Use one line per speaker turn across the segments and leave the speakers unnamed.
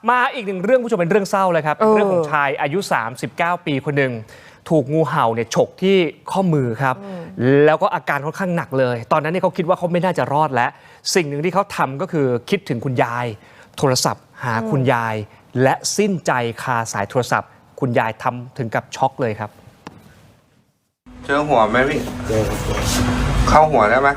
มาอีกหนึ่งเรื่องผู้ชมเป็นเรื่องเศร้าเลยครับเป็นเรื่องของชายอายุ39 ปีคนหนึ่งถูกงูเห่าเนี่ยฉกที่ข้อมือครับแล้วก็อาการค่อนข้างหนักเลยตอนนั้นเนี่ยเขาคิดว่าเขาไม่น่าจะรอดแล้วสิ่งหนึ่งที่เขาทำก็คือคิดถึงคุณยายโทรศัพท์หาคุณยายและสิ้นใจคาสายโทรศัพท์คุณยายทำถึงกับช็อกเลยครับ
เจอหัวไหมพี่เข้าหัวได้ไหม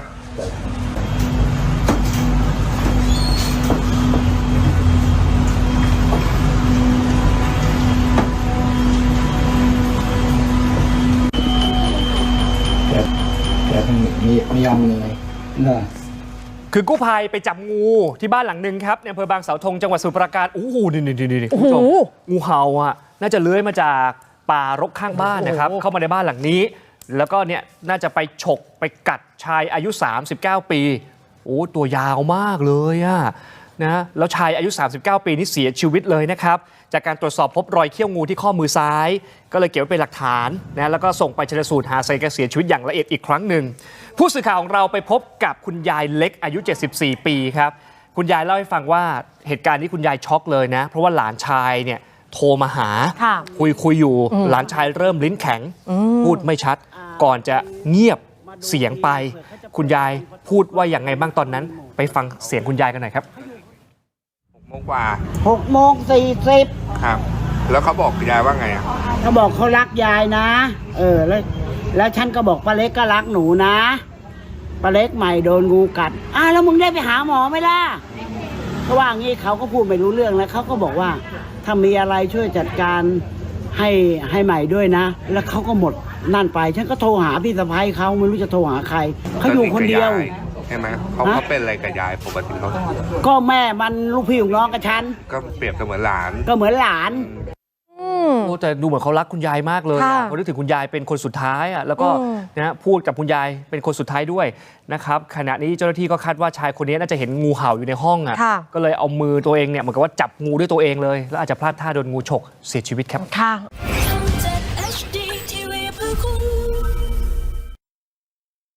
แต่ไม่ยอมเลย
คือกู้ภัยไปจับงูที่บ้านหลังหนึ่งครับในอำเภอบางเสาธงจังหวัดสมุทรปราการโอ้โหนี่คุณผู้ชมงูเห่าอ่ะน่าจะเลื้อยมาจากป่ารกข้างบ้านนะครับเข้ามาในบ้านหลังนี้แล้วก็เนี่ยน่าจะไปฉกไปกัดชายอายุ39 ปีโอ้ตัวยาวมากเลยอ่ะนะแล้วชายอายุ39 ปีนี่เสียชีวิตเลยนะครับจากการตรวจสอบพบรอยเขี้ยวงูที่ข้อมือซ้ายก็เลยเก็บไว้เป็นหลักฐานนะแล้วก็ส่งไปชันสูตรหาสาเหตุการเสียชีวิตอย่างละเอียดอีกครั้งหนึ่งผู้สื่อข่าวของเราไปพบกับคุณยายเล็กอายุ74 ปีครับคุณยายเล่าให้ฟังว่าเหตุการณ์นี้คุณยายช็อกเลยนะเพราะว่าหลานชายเนี่ยโทรมาหาคุยอยู่หลานชายเริ่มลิ้นแข็งพูดไม่ชัดก่อนจะเงียบเสียงไปคุณยายพูดว่าอย่างไงบ้างตอนนั้นไปฟังเสียงคุณยายกันหน่อยครับ
6 โมงกว่า
6:40
ครับแล้วเขาบอกยายว่าไงอ่ะ
เขาบอกเขารักยายนะแล้วฉันก็บอกป้าเล็กก็รักหนูนะป้าเล็กใหม่โดนงูกัดแล้วมึงได้ไปหาหมอไหมล่ะก็ว่างี้เขาก็พูดไม่รู้เรื่องแล้วเขาก็บอกว่าถ้ามีอะไรช่วยจัดการให้ใหม่ด้วยนะแล้วเขาก็หมดนั่นไปฉันก็โทรหาพี่สะใภ้เขาไม่รู้จะโทรหาใครเขาอยู่คนเดียว
ใช่ไหมเขาเป็นอะไรกับยายปกติเขา
ก็แม่มันลูกพี่ลูกน้องกับฉัน
ก็เปรียบเสมือนหลาน
ก็เหมือนหลาน
แต่ดูเหมือนเขารักคุณยายมากเลยเขานึกถึงคุณยายเป็นคนสุดท้ายแล้วก็นะพูดกับคุณยายเป็นคนสุดท้ายด้วยนะครับขณะนี้เจ้าหน้าที่ก็คาดว่าชายคนนี้น่าจะเห็นงูเห่าอยู่ในห้องก็เลยเอามือตัวเองเนี่ยเหมือนกับว่าจับงูด้วยตัวเองเลยแล้วอาจจะพลาดท่าโดนงูฉกเสียชีวิตครับ